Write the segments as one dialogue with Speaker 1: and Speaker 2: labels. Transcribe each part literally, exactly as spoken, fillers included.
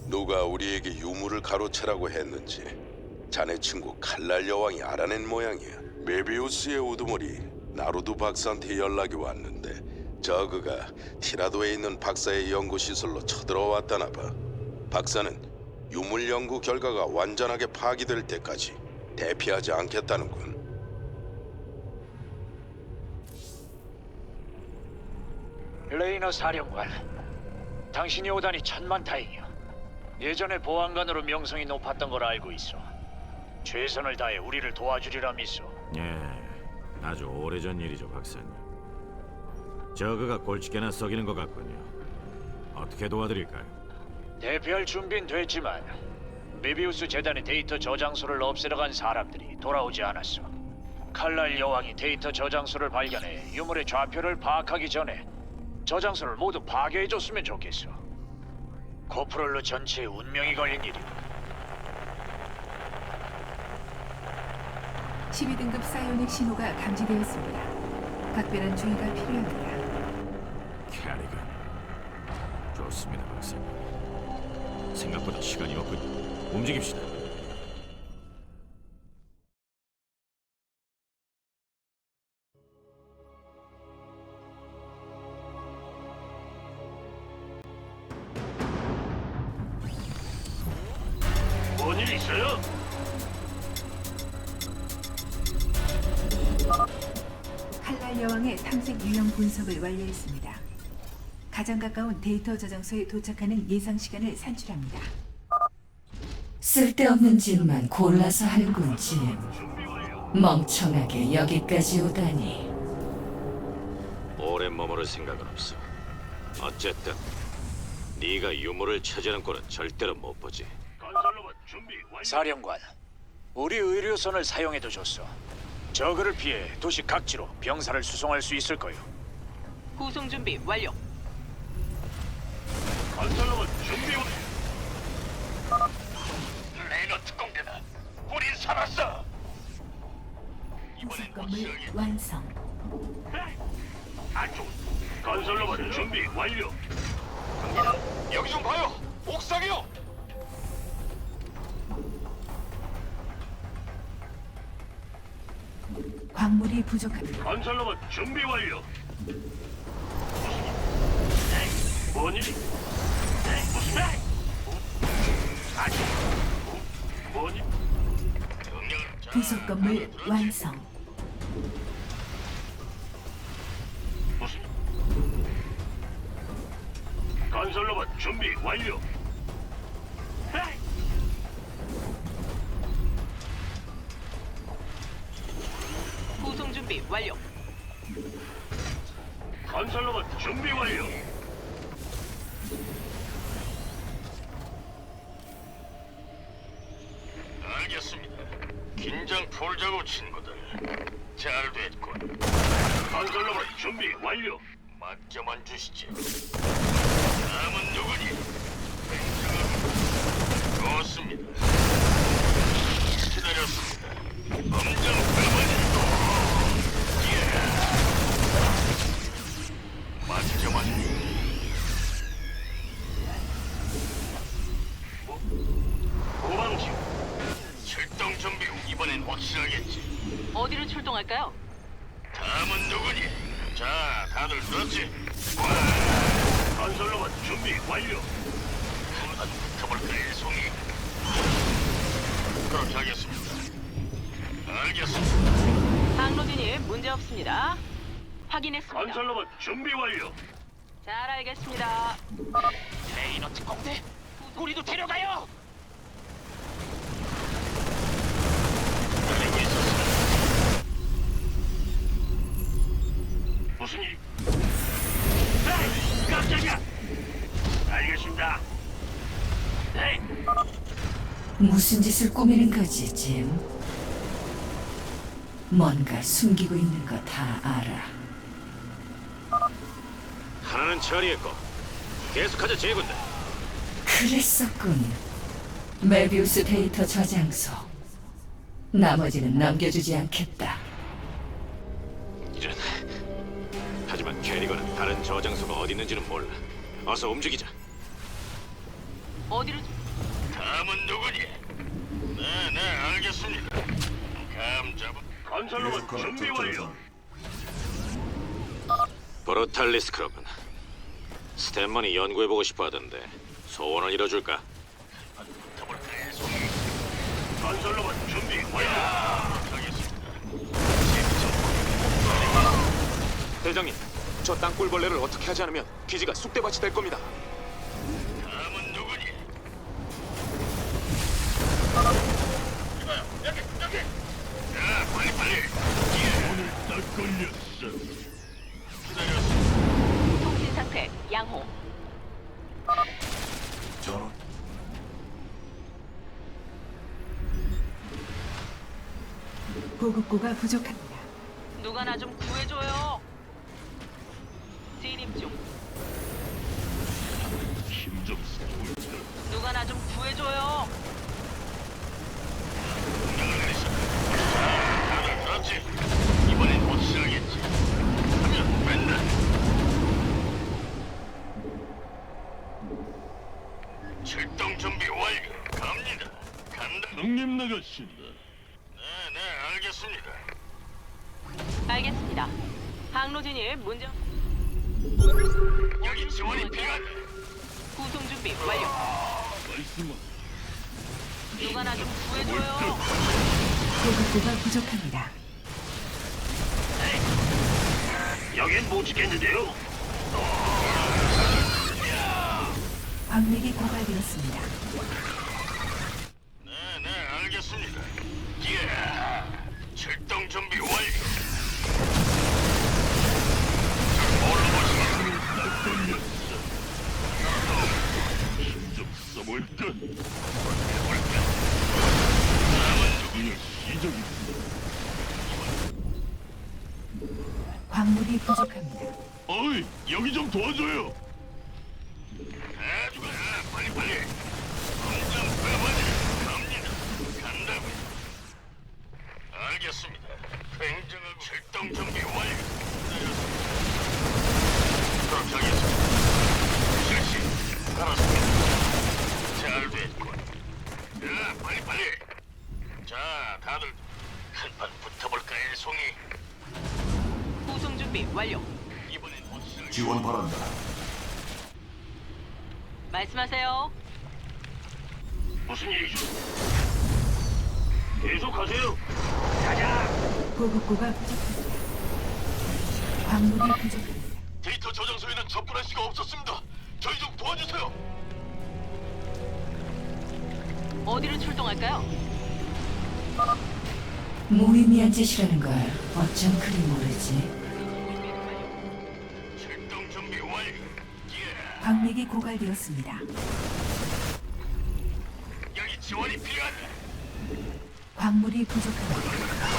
Speaker 1: 누가 우리에게 유물을 가로채라고 했는지 자네 친구 칼날 여왕이 알아낸 모양이야. 메비우스의 우두머리 나루두 박사한테 연락이 왔는데 저그가 티라도에 있는 박사의 연구시설로 쳐들어왔다나 봐. 박사는 유물 연구 결과가 완전하게 파기될 때까지 대피하지 않겠다는군.
Speaker 2: 레이너 사령관, 당신이 오다니 천만다행이야. 예전에 보안관으로 명성이 높았던 걸 알고 있어. 최선을 다해 우리를 도와주리라 믿소.
Speaker 3: 예, 아주 오래전 일이죠, 박사님. 저그가 골칫게나 썩이는 것 같군요. 어떻게 도와드릴까요?
Speaker 2: 대피할 준비는 됐지만 메비우스 재단의 데이터 저장소를 없애러 간 사람들이 돌아오지 않았어. 칼날 여왕이 데이터 저장소를 발견해 유물의 좌표를 파악하기 전에 저장소를 모두 파괴해줬으면 좋겠어. 코프롤로 전체의 운명이 걸린 일이야.
Speaker 4: 십이 등급 사이오닉 신호가 감지되었습니다. 각별한 주의가 필요합니다.
Speaker 3: 캐리건. 좋습니다, 박사님. 생각보다 시간이 없군요. 움직입시다.
Speaker 2: 뭔 일 있어요?
Speaker 4: 칼날 여왕의 탐색 유형 분석을 완료했습니다. 가장 가까운 데이터 저장소에 도착하는 예상 시간을 산출합니다.
Speaker 5: 쓸데없는 짓만 골라서 하는군, 짐. 멍청하게 여기까지 오다니.
Speaker 3: 오래 머무를 생각은 없어. 어쨌든 네가 유물을 찾으는 꼴은 절대로 못 보지.
Speaker 2: 사령관, 우리 의료선을 사용해도 좋소. 저그를 피해 도시 각지로 병사를 수송할 수 있을 거요.
Speaker 6: 구송 준비 완료.
Speaker 2: 건설로봇 준비 완료. 레이너 특공대다. 우린 살았어.
Speaker 4: 부속 건물 완성.
Speaker 2: 안쪽. 건설로봇 준비 완료. 여기 좀 봐요. 옥상이요.
Speaker 4: 광물이 부족합니다.
Speaker 2: 건설로봇 준비 완료. 뭔 일이? 무슨 일? 아니, 뭔 일?
Speaker 4: 부속 건물 완성.
Speaker 2: 무슨? 건설로봇 준비 완료.
Speaker 6: 구송 준비 완료.
Speaker 2: 건설로봇 준비 완료.
Speaker 7: 알겠습니다. 긴장 풀자고 친구들. 잘 됐군.
Speaker 2: 건설로봇 준비 완료.
Speaker 7: 맡겨만 주시지. 다음은 누구니? 좋습니다. 기다렸습니다. 엄정 가만히. 맡겨만
Speaker 2: 고방지.
Speaker 7: 출동 준비. 이번엔 확실하겠지.
Speaker 6: 어디로 출동할까요?
Speaker 7: 다음은 누구니? 자, 다들 들었지?
Speaker 2: 건설로봇 준비 완료.
Speaker 7: 한번 붙어볼까요, 송이? 그렇게 하겠습니다. 알겠습니다.
Speaker 6: 항로진이 문제 없습니다. 확인했습니다.
Speaker 2: 건설로봇 준비 완료.
Speaker 6: 잘 알겠습니다.
Speaker 2: 레이너 특공대, 우리도 데려가요.
Speaker 7: 알고 있었습니다.
Speaker 2: 무슨 일? 에이, 깜짝이야. 알겠습니다. 네.
Speaker 5: 무슨 짓을 꾸미는 거지, 짐? 뭔가 숨기고 있는 거 다 알아.
Speaker 3: 하나는 처리했고 계속하자, 제군들.
Speaker 5: 그랬었군. 메비우스 데이터 저장소. 나머지는 남겨주지 않겠다.
Speaker 3: 이런. 하지만 캐리건은 다른 저장소가 어디 있는지는 몰라. 어서 움직이자.
Speaker 6: 어디로?
Speaker 7: 다음은 누구니? 네, 네, 알겠습니다. 감 잡은 건설로봇 준비 완료.
Speaker 3: 브루탈리스 크로군. 스탠만이 연구해보고 싶어 하던데 소원을 이뤄줄까?
Speaker 7: 붙어볼까요, 송이? 건설로봇 준비 완료. 알겠습니다.
Speaker 8: 대장님, 저 땅굴벌레를 어떻게 하지 않으면 기지가 쑥대밭이 될 겁니다.
Speaker 7: 다음은 누구니? 여기, 여기. 자, 빨리 빨리. 오늘 딱 걸렸어. 기다렸어.
Speaker 6: 통신 상태 양호.
Speaker 4: 보급고가 부족합니다.
Speaker 6: 누가 나 좀 구해줘요. 진입 중.
Speaker 7: 힘좀 써볼까?
Speaker 6: 누가 나 좀 구해줘요.
Speaker 7: 명령을 내리시. 자, 다들 들었지? 이번엔 확실하겠지. 하면 맨날. 출동 준비 완료. 갑니다. 간다. 형님 나가신다. 네, 네, 알겠습니다.
Speaker 6: 알겠습니다. 항로 진입 문제.
Speaker 7: 여기 지원이 필요하다.
Speaker 6: 구송 준비 완료.
Speaker 7: 말씀은
Speaker 6: 누가 나 좀 구해줘요.
Speaker 4: 보급고가 부족합니다.
Speaker 7: 여긴 못 지켰는데요.
Speaker 4: 광맥이 고갈되었습니다.
Speaker 7: 네, 네, 알겠습니다. 예, 출동 준비 완료. 힘좀 써볼까? 남은 시적이
Speaker 4: 광물이 부족합니다.
Speaker 7: 어이, 여기 좀 도와줘요. 아주가 빨리 빨리. 당장 가봐야 갑니다. 간다고. 알겠습니다. 굉장하고 출동 준비 완료. 그렇게 하겠습니다. 실시. 알았습니다. 잘 됐군. 자, 빨리 빨리. 자, 다들 한판 붙어볼까요, 송이?
Speaker 6: 구송 준비 완료.
Speaker 7: 이번엔 확실하게.
Speaker 9: 지원 바란다.
Speaker 6: 말씀하세요.
Speaker 7: 무슨 일이죠? 계속하세요.
Speaker 4: 보급고가 부족합니다. 광물이 부족합니다.
Speaker 7: 데이터 저장소에는 접근할 수가 없었습니다. 저희 좀 도와주세요.
Speaker 6: 어디로 출동할까요?
Speaker 5: 무의미한 짓이라는 걸 어쩜 그리 모르지.
Speaker 7: 출동 준비 완료. 예.
Speaker 4: 광맥이 고갈되었습니다.
Speaker 7: 여기 지원이 필요하다.
Speaker 4: 광물이 부족합니다.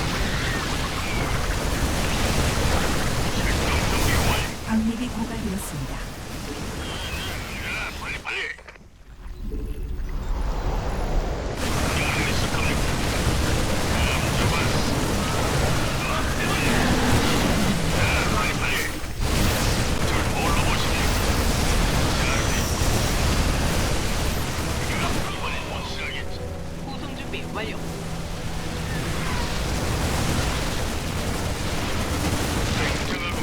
Speaker 7: 출동 준비 완료.
Speaker 4: 광맥이 고갈되었습니다.
Speaker 7: 자, 빨리 빨리. 명령을 있을 겁니까? 다음 잡았어. 자, 빨리 빨리. 절 뭘로 보십니까? 잘 됐어. 이번엔 확실하겠지.
Speaker 6: 구송 준비 완료.
Speaker 7: 굉장하고.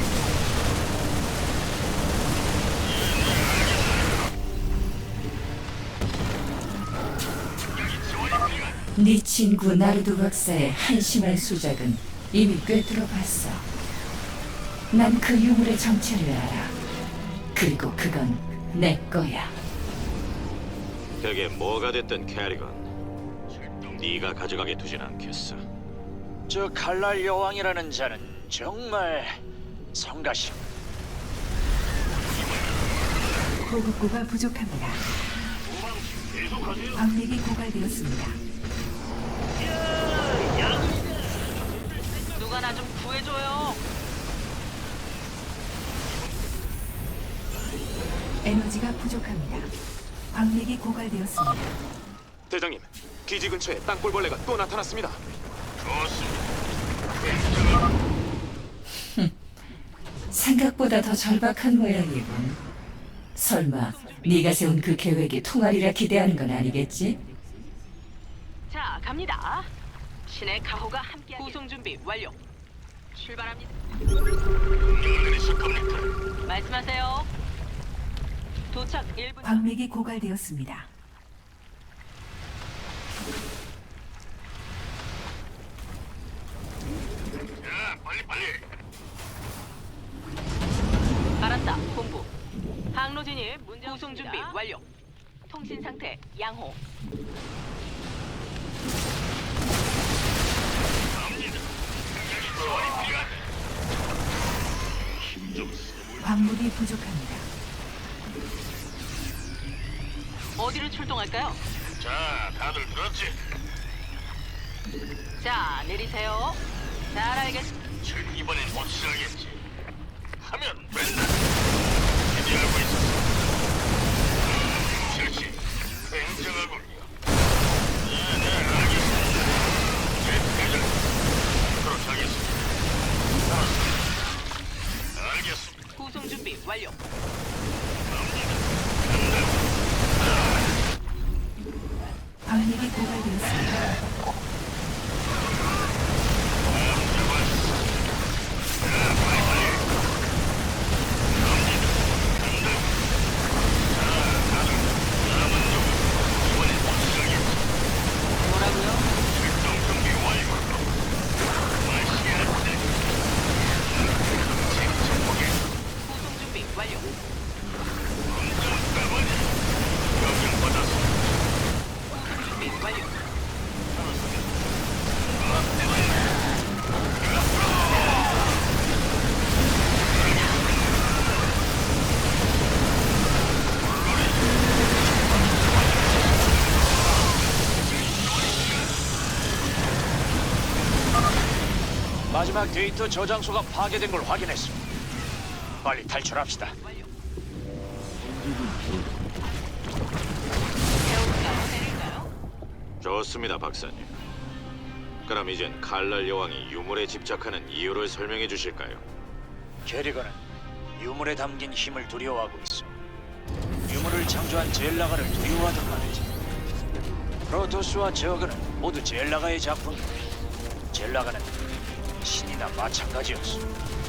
Speaker 7: 여기 지원이 필요하다.
Speaker 5: 네 친구 나르도 박사의 한심한 수작은 이미 꿰뚫어봤어. 난 그 유물의 정체를 알아. 그리고 그건 내 거야.
Speaker 3: 그게 뭐가 됐든 캐리건, 네가 가져가게 두진 않겠어.
Speaker 2: 저 칼날 여왕이라는 자는 정말 성가심.
Speaker 4: 보급고가 부족합니다. 광맥이 고갈되었습니다.
Speaker 6: 누가 나 좀 구해줘요.
Speaker 4: 에너지가 부족합니다. 광맥이 고갈되었습니다.
Speaker 8: 대장님, 기지 근처에 땅굴벌레가 또 나타났습니다.
Speaker 7: 좋습니다. 굉장하고.
Speaker 5: 생각보다 더 절박한 모양이군. 설마 네가 세운 그 계획이 통하리라 기대하는 건 아니겠지?
Speaker 6: 자, 갑니다. 신의 가호가 함께 구송 준비 완료. 출발합니다.
Speaker 7: 명령을 내리실 겁니까?
Speaker 6: 말씀하세요. 도착 일 분.
Speaker 4: 광맥이 고갈되었습니다.
Speaker 7: 자, 빨리 빨리.
Speaker 6: 알았다. 본부. 항로 진입 문제 구송 준비 완료. 통신 상태 양호.
Speaker 7: 갑니다. 여기 지원이 필요하다. 힘좀 쓰고.
Speaker 4: 광물이 부족합니다.
Speaker 6: 어디로 출동할까요?
Speaker 7: 자, 다들 들었지?
Speaker 6: 자, 내리세요. 잘 알겠습니다.
Speaker 7: 즉 이번엔 확실하겠지. 하면 맨날 기대하고 있었어. 실시 굉장하군요. 네, 네, 알겠습니다. 제 대장 그렇게 하겠습니다. 알았습니다. 알겠습니다.
Speaker 6: 구송 준비 완료.
Speaker 4: 광맥이 고갈되었습니다.
Speaker 6: 뭐라고요?
Speaker 7: 출동 준비 완료. 마시아트. 침착하게.
Speaker 6: 구송 준비 완료.
Speaker 7: 검정 까마귀. 명령 받았습니다.
Speaker 6: 구송 준비 완료.
Speaker 2: 마지막 데이터 저장소가 파괴된 걸 확인했어. 빨리 탈출합시다.
Speaker 6: 완료. 세울까요? 내릴까요?
Speaker 3: 좋습니다, 박사님. 그럼 이젠 칼날 여왕이 유물에 집착하는 이유를 설명해 주실까요?
Speaker 2: 게리건은 유물에 담긴 힘을 두려워하고 있어. 유물을 창조한 젤라가를 두려워하던 말이지. 프로토스와 저그는 모두 젤라가의 작품이고 젤라가는 신이나 마찬가지였어.